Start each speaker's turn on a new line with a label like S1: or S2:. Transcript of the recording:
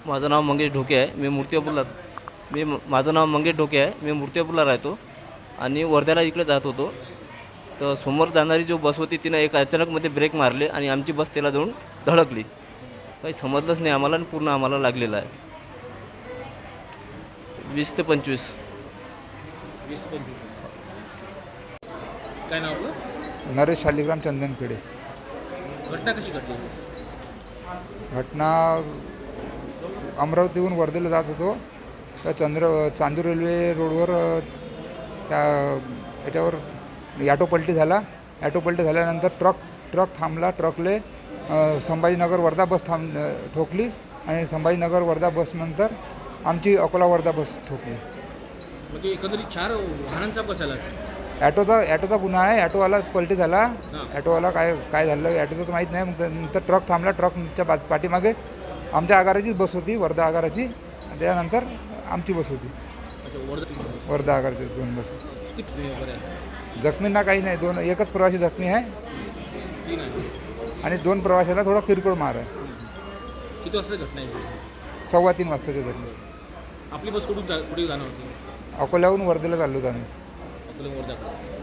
S1: माझं नाव मंगेश ढोके आहे. माझं नाव मंगेश ढोके आहे. मी मूर्तिजापूरला राहतो आणि वर्ध्याला इकडे जात होतो. तर समोर जाणारी जो बस होती तिनं एक अचानकमध्ये ब्रेक मारले आणि आमची बस त्याला जाऊन धडकली. काही समजलंच नाही आम्हाला आणि पूर्ण आम्हाला लागलेलं आहे. 20 ते 25.
S2: 20 ते 25. काय नाव आपलं?
S3: नरेश शालिग्राम चंदनखेडे.
S2: घटना कशी घडली?
S3: घटना अमरावतीहून वर्धेला जात होतो. तर चांदूर रेल्वे रोडवर त्या याच्यावर ॲटो पलटी झाल्यानंतर ट्रक थांबला. ट्रकले संभाजीनगर वर्धा बस ठोकली आणि संभाजीनगर वर्धा बसनंतर आमची अकोला वर्धा बस ठोकली.
S2: म्हणजे एकंदरीत 4 वाहनांचा बसायला.
S3: ॲटोचा गुन्हा आहे. ॲटोवाला पलटी झाला. ॲटोवाला काय झालं ॲटोचं तर माहीत नाही. मग नंतर ट्रक थांबला. ट्रकच्या पाठीमागे आमच्या आगाराचीच बस होती, वर्धा आगाराची. त्यानंतर आमची बस होती, वर्धा आगाराची 2 बस. जखमींना काही नाही. एकच प्रवासी जखमी आहे आणि 2 प्रवाशाला थोडा किरकोळ मार आहे.
S2: किती वाजता घटना आहे?
S3: 3:15 वाजताच्या दरम्यान.
S2: आपली बस कुठे जाणार होती?
S3: अकोल्याहून वर्धेला चाललो होतो आम्ही.
S2: अकोला वर्धा.